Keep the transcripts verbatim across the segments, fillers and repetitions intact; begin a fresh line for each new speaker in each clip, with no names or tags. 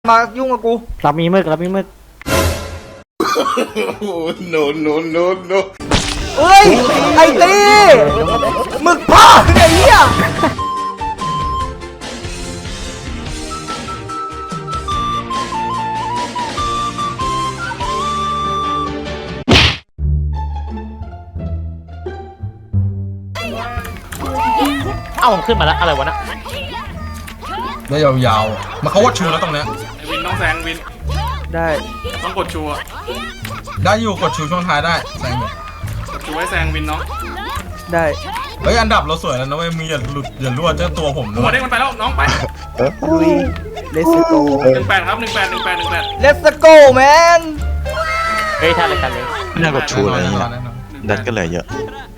มายุ่งกับกู
เรามีมึกเรามีมึก
no no no no
เอ้ยไอ้ตีหมึกพ่อไอ้เหี้ย
เอ้าขึ้นมาแล้วอะไรวะนะ
ได้ยาวๆมาเขาว่าชูแล้วตรงเนี้ย
วินต้องแซงวิน
ได้
ต้องกดชูอะ
ได้อยู่กดชูช่วงท้ายได้แซงอยู่
กดชูไว้แซงวินเนาะ
ได้
เฮ้ยอันดับเราสวยแล้วนะเว้ยมีอย่าหลุดอย่ารั่วเจ้าตัวผมด้
หั
ว
วย เด้งมันไปแล้วน้องไป
ลุย let's go
หนึ่งแปดครับหนึ่งแปดหนึ่งแปดหนึ่งแปด
let's go man
เฮ้ยท่านเลยท่านเลย
ไม่น่ากดชูเลย
แน่น
นี่
อนแน่นอน
ดันก็เหลือเยอะ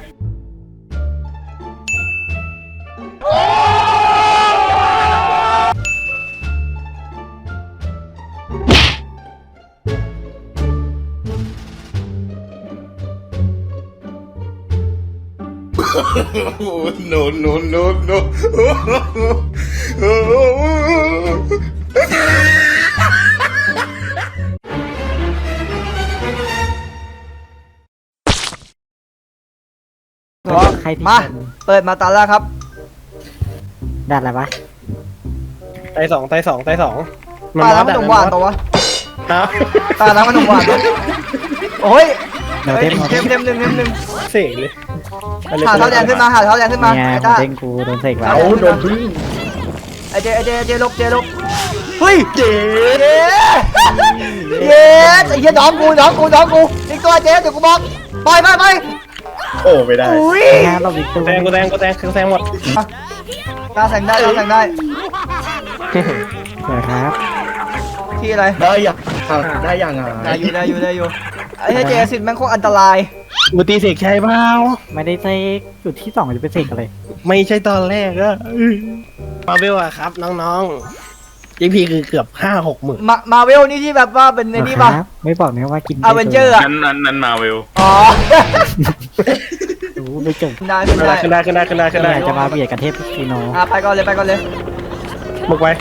no no no no
ใครที่
มาเปิดมาตาแล้วครับ
ดัดอะไรวะ
ไตสองไตสองไตสอง
ตาน้ำขนมหวานตัววะตาน้ำขนมหวานโอ้ยเทมเทมเทมหนึ่งเทมหนึ่ง
เสกเลย
หาเท้าแดงขึ้นมาหาเท้าแดงขึ้นมา
เนี่ย
ไอ้ตา
เด้งกูโดนเสกแล้ว
โดนพึ่งไอเจไอเจเจลบเจลบเฮ้ยเจเจเย้ไอ้เหี้ยน้องกูน้องกูน้องกูอีกตัวเจเดี๋ยวกูบอกไปไปไป
โอ้ไม่ได้
งานเราอีกตัว
แซงกูแซงกูแซงกูแซงหมด
ตาแซงได้ตาแซงได้
เดี๋ยวครับ
ที่อะไร
ได้ยังได้ยังอ่ะ
ได้อยู่ได้อยู่ได้อยู่ไอ้เจสิทธิ์แม่งโคตรอันตราย
มูตีเสกใช่เปล่า
ไม่ได้เสกจุดที่สองจะไปเสกอะไร
ไม่ใช่ตอนแรกอะมาเวลอะครับน้องๆยีพีคือเกือบห้าหกหมื่น
มามาเวลนี่ที่แบบว่าเป็นในนี่ป่ะ
ไม่บอกนะว่ากิน
อเวนเจอร์อะ
นั้นนั้นนั้นมาเวล
อ๋อ
ดูไม่จบ
ได้ขึ้นได้
ขึ้นได้ขึ้นได้ขึ้นได้ขึ้นได้
จะมาเบียดกันเทพซีโน
อ่ะไปก่อนเลยไปก่อนเลย
บุกไป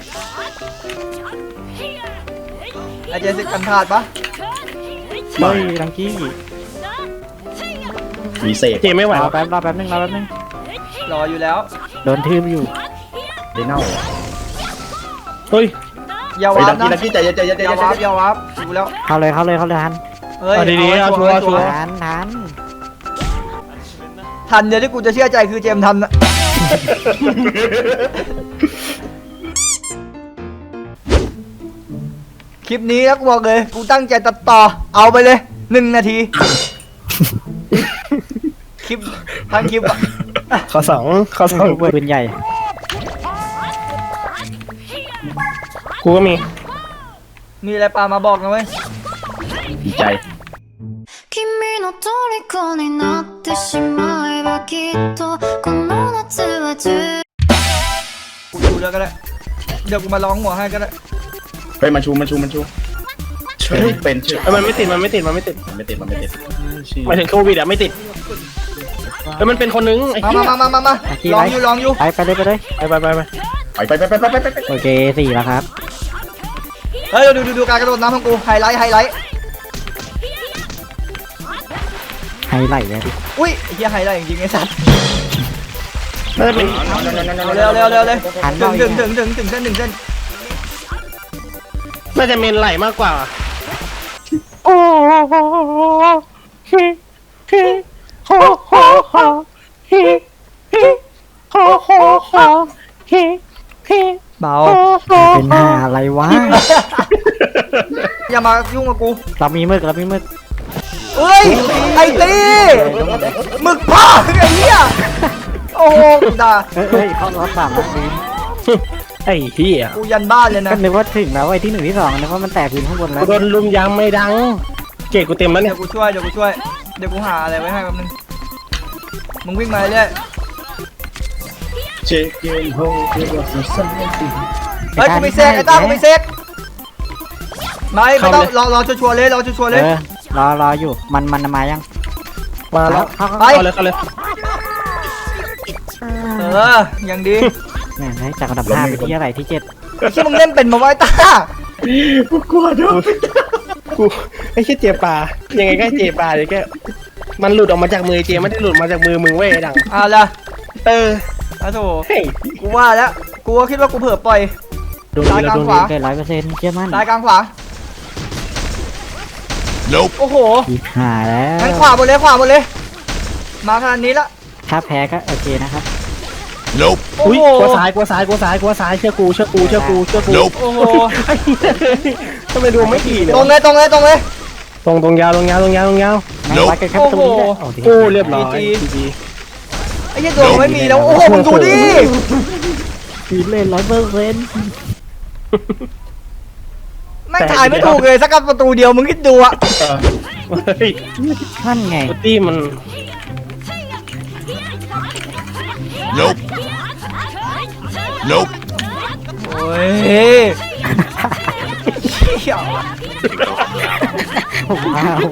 ไอเจสิทธิ์กันขาดปะ
เฮ้ยลังกี้
มีเศษเจไม่ไหว
รอแป๊บรอแป๊บนึงรอแป๊บนึง
รออยู่แล้ว
โดนทืบอยู่
เดนเน่าเฮ้ย
อย่าวาร์ปนะอย่าวาร์ปอย่าวาร์ปอยู่แล้ว
เข้าเลยเข้าเลยเข้าเลยทัน
เฮ้ย
ดีๆเอาชัวร์ชัวร์
ทันทัน
ทันเดี๋ยวที่กูจะเชื่อใจคือเจมทันนะคลิปนี้แล้วกูบอกเลยกูตั้งใจตัดต่อเอาไปเลยหนึ่งนาทีคลิปทั้งคลิปอะ
ข้อสองข้อสอง
ปืนใหญ่
กูก็มี
มีอะไรปามาบอกนะเว้ย
ดีใจ
君の虜になってしまえばきっとこの夏は充
กูดูแล้วก็ได้เดี๋ยวกูมาร้องหัวให้ก็ได้
ไปมาชูมาชูมาชูช่วยเป็นช่วยมันไม่ติดมันไม่ติดมันไม่ติดมันไม่ติดมันไม่ติดหมายถึงโควิดอะไม่ติดแล้วมันเป็นคนนึงไอ้
มามามามามาลองอยู่ลองอยู่
ไปไปเลยไปเลย
ไปไปไปไปไปไปไปไปไปไป
โอเคสี่แล้วครับ
เฮ้ยดูดูดูการกระโดดน้ำของกูไฮไลท์ไฮไลท์
ไฮไลท์เลยดิ
อุ้ยไอ้เหี้ยไฮไลท์จริงๆไอ้สัตว์
เร็ว
เร็วเร็วเร็วเลยถึงถึงถึงถึงถึงเส้นถึงเส้น
น่าจะเมนไหลมากกว่า
โอ้โหฮิฮิโฮโฮโฮฮิฮิโฮโฮโฮฮิฮิ
เบา
เป็นหาอะไรวะ
อย่ามายุ่งกับกู
เรามีมึกเรามีมึก
เอ้ยไอ้ตีหมึกพ่อไอ้เหี้ยโอ้โหด่า
เฮ้ยเขาล้อสามแบบนี้
ไอ้เหี้ย
กูยันบ้านเลยนะ
ก็นึกว่าถึงแล้วไอ้ที่หนึ่งที่สองนึกว่ามันแตกพื้นข้างบนแล้ว
โดนลุมยางไม่ดังเกตกูเต็มแล้วเนี่ย
เดี๋ยวกูช่วยเดี๋ยวกูช่วยเดี๋ยวกูหาอะไรไว้ให้แป๊บนึงมึงวิ่งมาเรื่อย
เช็คเกมโฮเฮ้ย
กูมีเซกไอ้ต้ากูมีเซกไม่ไม่ต้องรอรอชัวร์เลยรอชัวร์เลย
รอรออยู่มันมันมายัง
มาแล้ว
ไป
เลยเขาเลย
เออยังดี
แม่งให้จากอันดับห้าไปที่อะไรที่เจ็ด
ที่มึงเล่นเป็นมาไว้ต้า
กูกลัวด้วยกูไอ้เชี่ยเจปลายังไงก็เจปลาเดี๋ยวแกมันหลุดออกมาจากมือเจไม่ได้หลุดมาจากมือมึงเว้ยไอ้ดัง
เอาละ
เออ
อ้าวโถ
เฮ้ย
กูว่าแล้วกูก็คิดว่ากูเผลอปล่อย
ดวง
ซ้าย
ดี
กลาง
ดวง
ข
ดี
วา
เกินร้อยเปอร์เซ็นต์เชื่อมั่น
ซ้ายกลางขวา
Nope.
โอ้โห
อีกหาแล้ว
งั้นขวาหมดเลยขวาหมดเลย มาขนาดนี้ละ
ถ้าแพ้ก็โอเคนะครับ
Nope.
โอ้
อุ้ย
โห
กลัวซ้ายกลัวซ้ายกลัวซ้ายกลัวซ้ายเชื่อกูเชื่อกูเชื่อกูเชื่อกู
Nope.
โอ้โห
ไอ้เหี้ยทำไมดวงไม่ดีเนี่ย
ตรงเลยตรงเลยตรงเลย
ตรงตรงยาวตรงยาวตรงยาวตรงยาว
งั้นวัดกันแค่ประตูนี้ได้
โอ้โห
โอ้โห
โอ้เรียบร้อย
จี
จีจี
ไอ้เหี้ยดวงไม่มีแล้วโอ้โหมึงดูดิ
ทีเล่นร้อยเปอร์เซ็นต์
ไม่งถ่ายไม่ถูกเลยสักประตูเดียวมึงคิดดูอะ
เฮ้ย
นั่นไง
ปตี้มัน
Nope. Nope.
โอ้ยเหี้ย
ว้าว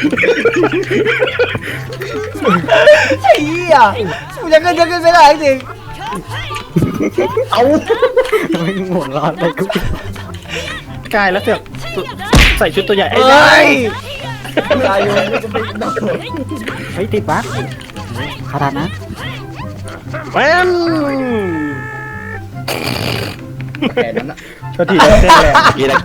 ไอ้เหี้ยกูจะขึ้นจะขึ้นไม่ได้จริง
เอา
ไม่หัวร้อนเลยกู
กายแล้วเสือกใส่ชุดตัวใหญ่ไอ้
เฮ้
ได้
ยตายอยู่
เฮ้ยติดบั๊กขนาดนะ
แม่น
แค่นั้นนะ
โทษทีเต้นแรงกี่นะ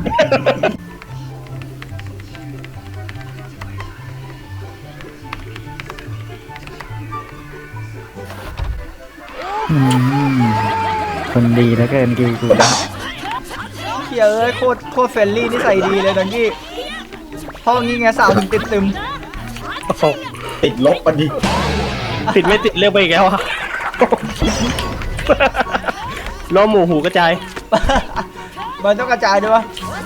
อืมคนดีแล้วเกินกิวกู
เหี้ยเอ้ยโคตรโคตรเฟรนลี่นิสัยดีเลยดังกี้ห้องนี้ไงสาวถึงติดตึม
ติดลบกันดิ
ติดไม่ติดเรียกไปอีกแล้วอะล้อหมูหูกระจาย
มันต้องกระจายด้วยวะ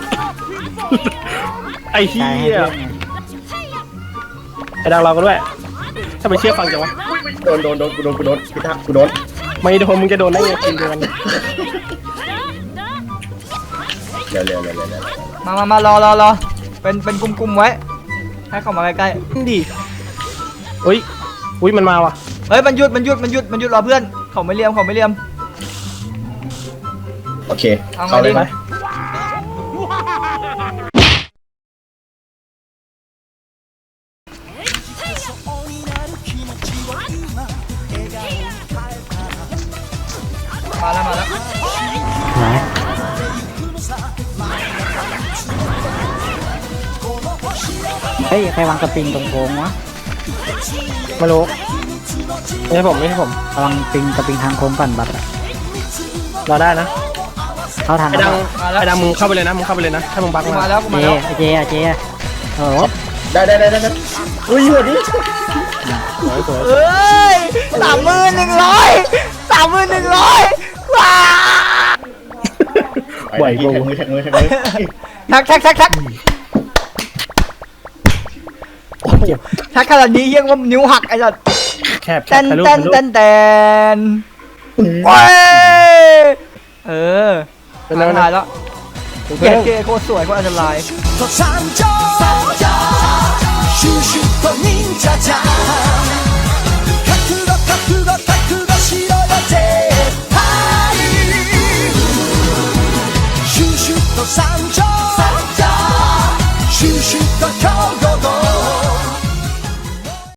ไอ้เหี้
ใช่ให้
ย
เพื่อนไง
ไอ้ดังเราก็ด้วยถ้าไปเชื่อฟังจังวะ
โดนโดนโดนกูโดนกูโดนพี่ทักกูโดน
ไม่โดนมึงจะโดนได้ไงทีมเดียวกัน
เร็วเร็วเร็วเร็วเร็ว
มามามารอรอรอเป็นเป็นกลุ่มๆไว้ ให้เข้ามาใกล้
ดีอุ้ยอุ้ยมันมาว่ะ
ๆเฮ้ยมันหยุดมันหยุดมันหยุดมันหยุดรอเพื่อนเขาไม่เลียมเขาไม่เลียม
โอเค
เอาไง
เข้าเลย
ดี
ไป
มาแล้วมาแล้ว
นะเฮ้ยใครวางกระปิงตรงโค้งวะ
ไม่รู้ไม่ใช่ผมไม่ใช่ผม
ระวังปิงกระปิงทางโค้งก่อนบัตรอะ
รอได้นะ
เข้าทาง
ไอ้ดังไอ้ดังมึงเข้าไปเลยนะมึงเข้าไปเลยนะถ้ามึงบัก
กู
มา
มาแล้วกู
เจ
มาแล้ว
เจอะเจอะโอ้โห
ได้ได้ได้ได้ได้
อุ้ยหัวดิ
เอ้ยสามหมื่นหนึ่งร้อยสามหมื่นหนึ่งร้อยว้า
ไหว
กู
กู
มือแท็กมือแท็กมือ
แท็กแท็กแท็กแท็กแท็กขนาดนี้ยังว่านิ้วหักไอ้สัส
แคบ
เต้น
ถ่ายรูป
เต้น
ถ่ายรูป
เต้นเต้นโอ้ยเออ
เป็นไง
ถ่ายแล้ว
เป็น
เก๋
ไง
เก๋โคตรสวยโคตรอันตราย
と参上シュシュと忍者じゃん